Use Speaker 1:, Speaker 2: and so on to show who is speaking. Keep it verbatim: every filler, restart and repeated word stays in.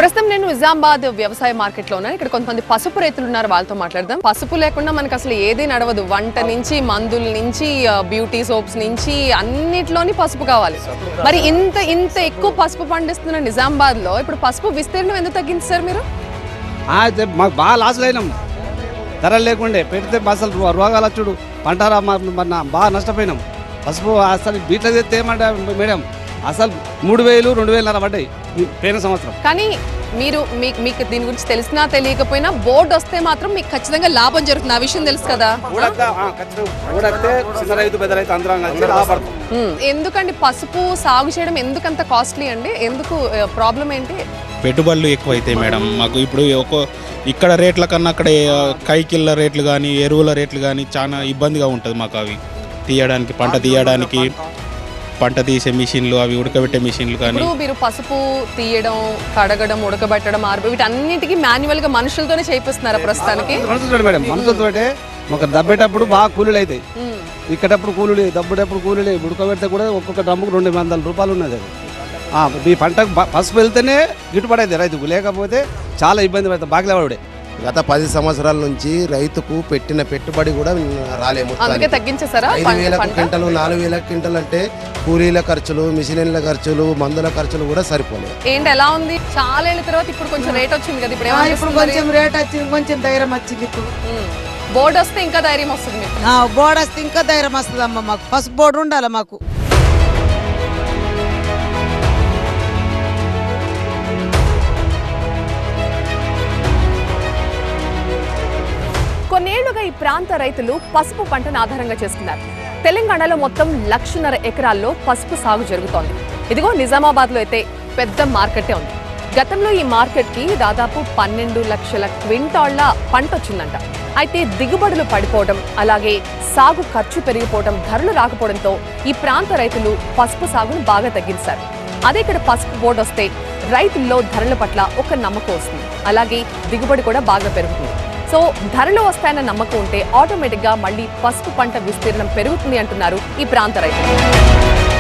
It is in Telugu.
Speaker 1: ప్రస్తుతం నేను నిజామాబాద్ వ్యవసాయ మార్కెట్ లో ఉన్నాను. ఇక్కడ కొంతమంది పసుపు రైతులు ఉన్నారు, వాళ్ళతో మాట్లాడదాం. పసుపు లేకుండా మనకు అసలు ఏది నడవదు. వంట నుంచి, మందుల నుంచి, బ్యూటీ సోప్స్ నుంచి అన్నిట్లోని పసుపు కావాలి. మరి ఇంత ఇంత ఎక్కువ పసుపు పండిస్తున్న నిజామాబాద్ లో ఇప్పుడు పసుపు విస్తీర్ణం ఎందుకు తగ్గించారు మీరు?
Speaker 2: మాకు బాగా లాసులు అయినాం, ధరలు లేకుండే పెడితే అసలు రోగాలు వచ్చుడు పంట బాగా నష్టపోయినాం. పసుపు అసలు బీట్లో తెస్తే ఏమంటే మేడం అసలు మూడు వేలు రెండు వేలున్నర పడ్డాయి పోయిన సంవత్సరం.
Speaker 1: కానీ మీరు మీకు దీని గురించి తెలిసినా తెలియకపోయినా బోర్డు వస్తే మాత్రం మీకు ఖచ్చితంగా లాభం జరుగుతుంది, ఆ విషయం తెలుసు కదా. ఎందుకండి పసుపు సాగు చేయడం ఎందుకంత కాస్ట్లీ అండి? ఎందుకు ప్రాబ్లం ఏంటి?
Speaker 3: పెట్టుబడులు ఎక్కువ అవుతాయి మేడం మాకు. ఇప్పుడు ఒక ఇక్కడ రేట్ల కన్నా అక్కడ కైకిళ్ళ రేట్లు కానీ ఎరువుల రేట్లు కానీ చాలా ఇబ్బందిగా ఉంటుంది మాకు. అవి తీయడానికి, పంట తీయడానికి, పంట తీసే మిషన్లు, అవి ఉడకబెట్టే మిషన్లు కానీ.
Speaker 1: మీరు పసుపు తీయడం, కడగడం, ఉడకబెట్టడం, ఆర్బి వీటన్నిటికీ మాన్యువల్ గా మనుషులతోనే చేపిస్తున్నారా ప్రస్తుతానికి?
Speaker 2: మేడం మనుషులతో ఒక దబ్బేటప్పుడు బాగా కూలీలు అవుతాయి, ఇక్కడప్పుడు కూలీలు, దబ్బేటప్పుడు కూలీలు, ఉడకబెడితే కూడా ఒక్కొక్క డ్రమ్ముకు రెండు వందల రూపాయలు ఉన్నది. అది మీ పంటకు పసుపు వెళ్తేనే గిట్టుబడి అవుతుంది రైతుకు, లేకపోతే చాలా ఇబ్బంది పడుతుంది బాగిలేవాడే.
Speaker 4: గత పది సంవత్సరాల నుంచి రైతుకు పెట్టిన పెట్టుబడి కూడా రాలేము.
Speaker 1: ఐదు
Speaker 4: వేల క్వింటలు నాలుగు వేల క్వింటలు అంటే కూలీల ఖర్చులు, మిషన్ల ఖర్చులు, మందుల ఖర్చులు కూడా సరిపోలేదు.
Speaker 1: ఏంటి ఎలా ఉంది? చాలా ఏళ్ళ తర్వాత ఇప్పుడు కొంచెం రేట్ వచ్చింది కదా, ఇప్పుడు
Speaker 5: ఇప్పుడు కొంచెం రేట్ వచ్చింది, కొంచెం ధైర్యం వచ్చింది. ఇప్పుడు
Speaker 1: బోర్డు వస్తే ఇంకా ధైర్యం వస్తుంది.
Speaker 5: బోర్డు వస్తే ఇంకా ధైర్యం వస్తుంది అమ్మ. మాకు పసుపు బోర్డు ఉండాలి మాకు.
Speaker 1: కొన్నేళ్లుగా ఈ ప్రాంత రైతులు పసుపు పంటను ఆధారంగా చేసుకున్నారు. తెలంగాణలో మొత్తం లక్షన్నర ఎకరాల్లో పసుపు సాగు జరుగుతోంది. ఇదిగో నిజామాబాద్ లో అయితే పెద్ద మార్కెటే ఉంది. గతంలో ఈ మార్కెట్ కి దాదాపు పన్నెండు లక్షల క్వింటాళ్ల పంట వచ్చిందంట. అయితే దిగుబడులు పడిపోవడం, అలాగే సాగు ఖర్చు పెరిగిపోవడం, ధరలు రాకపోవడంతో ఈ ప్రాంత రైతులు పసుపు సాగును బాగా తగ్గించారు. అదే ఇక్కడ పసుపు బోర్డు వస్తే రైతుల్లో ధరల పట్ల ఒక నమ్మకం వస్తుంది, అలాగే దిగుబడి కూడా బాగా పెరుగుతుంది. సో ధరలు వస్తాయన్న నమ్మకం ఉంటే ఆటోమేటిక్ గా మళ్ళీ పసుపు పంట విస్తీర్ణం పెరుగుతుంది అంటున్నారు ఈ ప్రాంత రైతులు.